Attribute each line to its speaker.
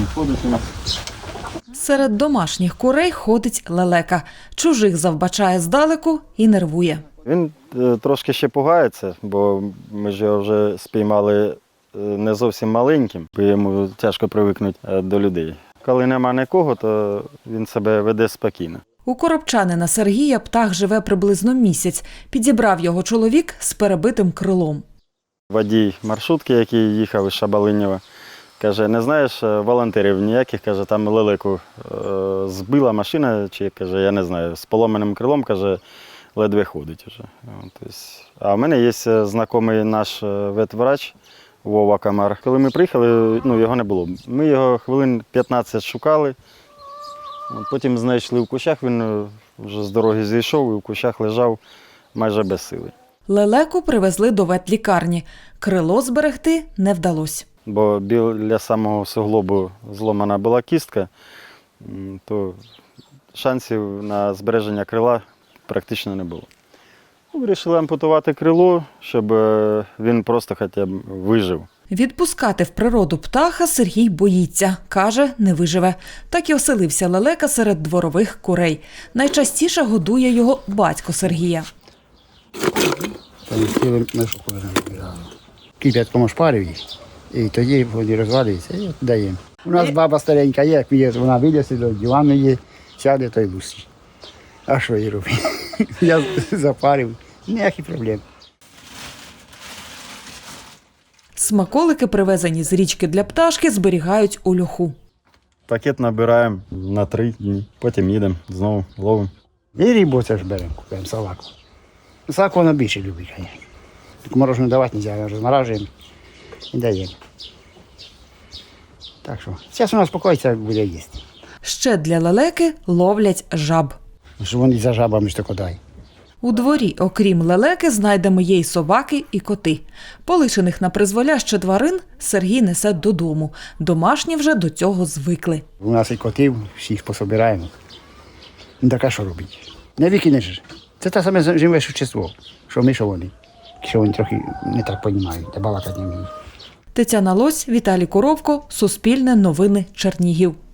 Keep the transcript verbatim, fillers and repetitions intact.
Speaker 1: ходить у нас.
Speaker 2: Серед домашніх курей ходить лелека. Чужих завбачає здалеку і нервує.
Speaker 1: Він е, трошки ще пугається, бо ми ж його вже спіймали е, не зовсім маленьким, бо йому тяжко привикнути е, до людей. Коли нема нікого, то він себе веде спокійно.
Speaker 2: У коробчанина Сергія птах живе приблизно місяць. Підібрав його чоловік з перебитим крилом.
Speaker 1: Водій маршрутки, який їхав із Шабалинєва, каже, не знаєш, волонтерів ніяких, каже, там лелеку е, збила машина, чи, каже, я не знаю, з поломаним крилом, каже, ледве ходить вже. Тобто, а в мене є знайомий наш ветврач Вова Комар. Коли ми приїхали, ну, його не було. Ми його хвилин п'ятнадцять шукали, потім знайшли в кущах, він вже з дороги зійшов і в кущах лежав майже без сили.
Speaker 2: Лелеку привезли до ветлікарні. Крило зберегти не вдалося.
Speaker 1: Бо біля самого суглобу зломана була кістка, то шансів на збереження крила практично не було. Вирішили ампутувати крило, щоб він просто хоча б вижив.
Speaker 2: Відпускати в природу птаха Сергій боїться. Каже, не виживе. Так і оселився лелека серед дворових курей. Найчастіше годує його батько Сергія.
Speaker 3: Кип'ятком шпарив їх, і тоді вони розвалюються, і от даємо. У нас баба старенька є, як є, вона вилізе до дивану є, сяде, то й лусить. А що їй робити? Я запарив, ніяких проблем.
Speaker 2: Смаколики, привезені з річки для пташки, зберігають у льоху.
Speaker 1: Пакет набираємо на три дні, потім їдемо, знову ловимо.
Speaker 3: І рибу це ж беремо, купуємо салаку. Салаку вона більше любить, звісно. Так морожену давати не можна, розморажуємо і даємо. Так що, зараз вона спокоїться, буде їсти.
Speaker 2: Ще для лелеки ловлять жаб.
Speaker 3: Що вони за жабами ж тако дай.
Speaker 2: У дворі, окрім лелеки, знайдемо є й собаки, і коти. Полишених на призволяще тварин Сергій несе додому. Домашні вже до цього звикли.
Speaker 3: У нас і котів, всіх пособираємо. Ну так а що робити? Не викинеш. Це те саме живе существо, що ми, що вони. Що вони трохи не так розуміють, та балакати не вміють.
Speaker 2: Тетяна Лось, Віталій Коровко, Суспільне новини, Чернігів.